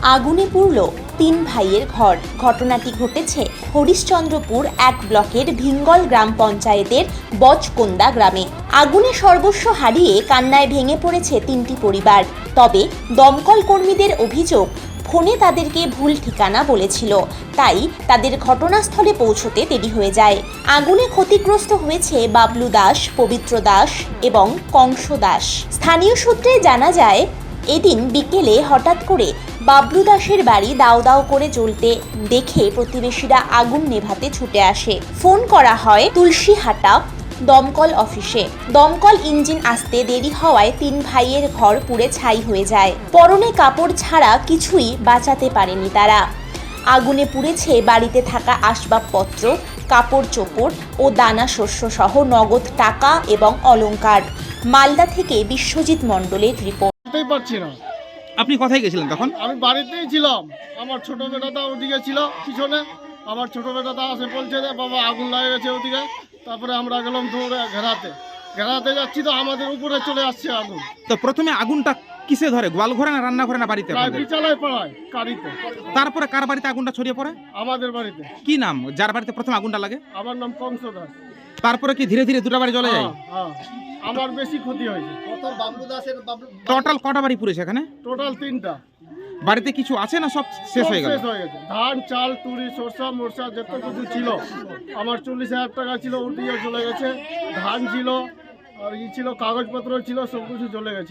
আগুনে পুড়ল 3 ভাইয়ের ঘর। ঘটনাটি ঘটেছে হরিশ্চন্দ্রপুর 1 ব্লকের ভিঙ্গল গ্রাম পঞ্চায়েতের বচকোন্দা গ্রামে। আগুনে সর্বস্ব হারিয়ে কান্নায় ভেঙে পড়েছে 3টি পরিবার। তবে দমকল কর্মীদের অভিযোগ, ফোনে তাদেরকে ভুল ঠিকানা বলেছিল, তাই তাদের ঘটনাস্থলে পৌঁছতে দেরি হয়ে যায়। আগুনে ক্ষতিগ্রস্ত হয়েছে বাবলু দাস, পবিত্র দাস এবং কংস দাস। স্থানীয় সূত্রে জানা যায়, এদিন বিকেলে হঠাৎ করে বাবলু দাসের বাড়ি দাউ দাউ করে জ্বলতে দেখে প্রতিবেশীরা আগুন নেভাতে ছুটে আসে। ফোন করা হয় তুলসীহাটা দমকল অফিসে। দমকল ইঞ্জিন আসতে দেরি হওয়ায় 3 ভাইয়ের ঘর পুড়ে ছাই হয়ে যায়। পরনে কাপড় ছাড়া কিছুই বাঁচাতে পারেনি তারা। আগুনে পুড়েছে বাড়িতে থাকা আসবাবপত্র, কাপড় চোপড় ও দানা শস্য সহ নগদ টাকা এবং অলংকার। মালদা থেকে বিশ্বজিৎ মণ্ডলের রিপোর্ট। পারছি না। আপনি কোথায় গেছিলেন তখন? আমি বাড়িতেই ছিলাম। আমার ছোট বেটাটা ওদিকে ছিল পিছনে। আমার ছোট বেটাটা আসে বলছে যে বাবা আগুন লাগে গেছে ওদিকে। তারপরে আমরা গেলাম দৌড়ে ঘেরাতে যাচ্ছি তো আমাদের উপরে চলে আসছে আগুন। তো প্রথমে আগুনটা কিসে ধরে? গোয়াল ঘরে না রান্না ঘরে না বাড়িতে? বিচালায় পাড়ায় কারিতে। তারপরে কার বাড়িতে আগুনটা ছড়িয়ে পড়ে? আমাদের বাড়িতে। কি নাম যার বাড়িতে প্রথম আগুনটা লাগে? আমার নাম কংস দাস। তারপরে কি ধীরে ধীরে দুটো বাড়ি জ্বলে যায়? হ্যাঁ, আমার বেশি ক্ষতি হয়েছে। টোটাল কটা বাড়ি পুড়েছে এখানে? টোটাল 3টা। বাড়িতে কিছু আছে না সব শেষ হয়ে গেল? শেষ হয়ে গেছে। ধান, চাল, তুরি, সরষা, মরসা যত কিছু ছিল, আমার 40,000 টাকা ছিল ওটিও চলে গেছে। ধান ছিল আর ছিল, কাগজপত্র ছিল, সব কিছু চলে গেছে।